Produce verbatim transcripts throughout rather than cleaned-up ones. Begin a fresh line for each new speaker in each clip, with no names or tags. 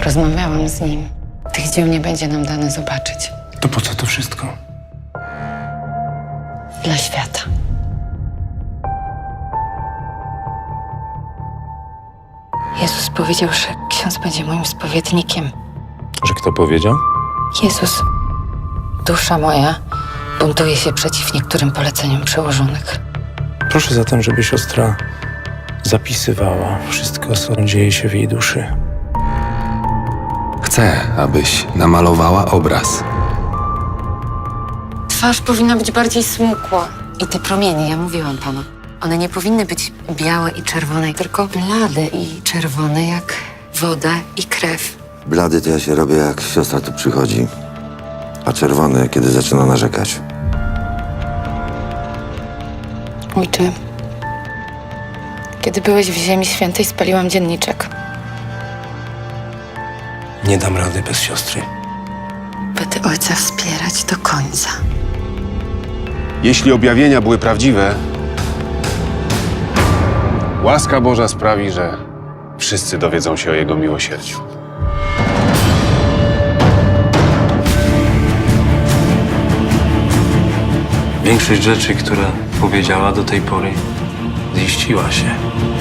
Rozmawiałam z nim. Tych dzieł nie będzie nam dane zobaczyć.
To po co to wszystko?
Dla świata. Jezus powiedział, że ksiądz będzie moim spowiednikiem.
Że kto powiedział?
Jezus, dusza moja buntuje się przeciw niektórym poleceniom przełożonych.
Proszę zatem, żeby siostra zapisywała wszystko, co dzieje się w jej duszy.
Chcę, abyś namalowała obraz.
Twarz powinna być bardziej smukła. I te promienie, ja mówiłam panu, one nie powinny być białe i czerwone, tylko blade i czerwone jak woda i krew.
Blady to ja się robię, jak siostra tu przychodzi, a czerwony, kiedy zaczyna narzekać.
Ojcze, kiedy byłeś w Ziemi Świętej, spaliłam dzienniczek.
Nie dam rady bez siostry.
Będę ojca wspierać do końca.
Jeśli objawienia były prawdziwe, łaska Boża sprawi, że wszyscy dowiedzą się o Jego miłosierdziu.
Większość rzeczy, które powiedziała do tej pory, ziściła się.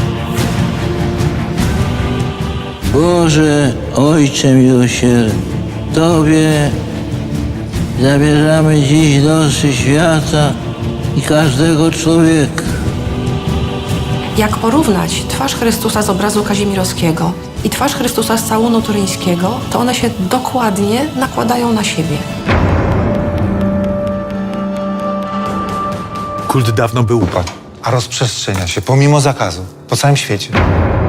Boże, Ojcze miłosierny, Tobie zabierzamy dziś losy świata i każdego człowieka.
Jak porównać twarz Chrystusa z obrazu Kazimierowskiego i twarz Chrystusa z całunu turyńskiego, to one się dokładnie nakładają na siebie.
Kult dawno by upadł, a rozprzestrzenia się pomimo zakazu po całym świecie.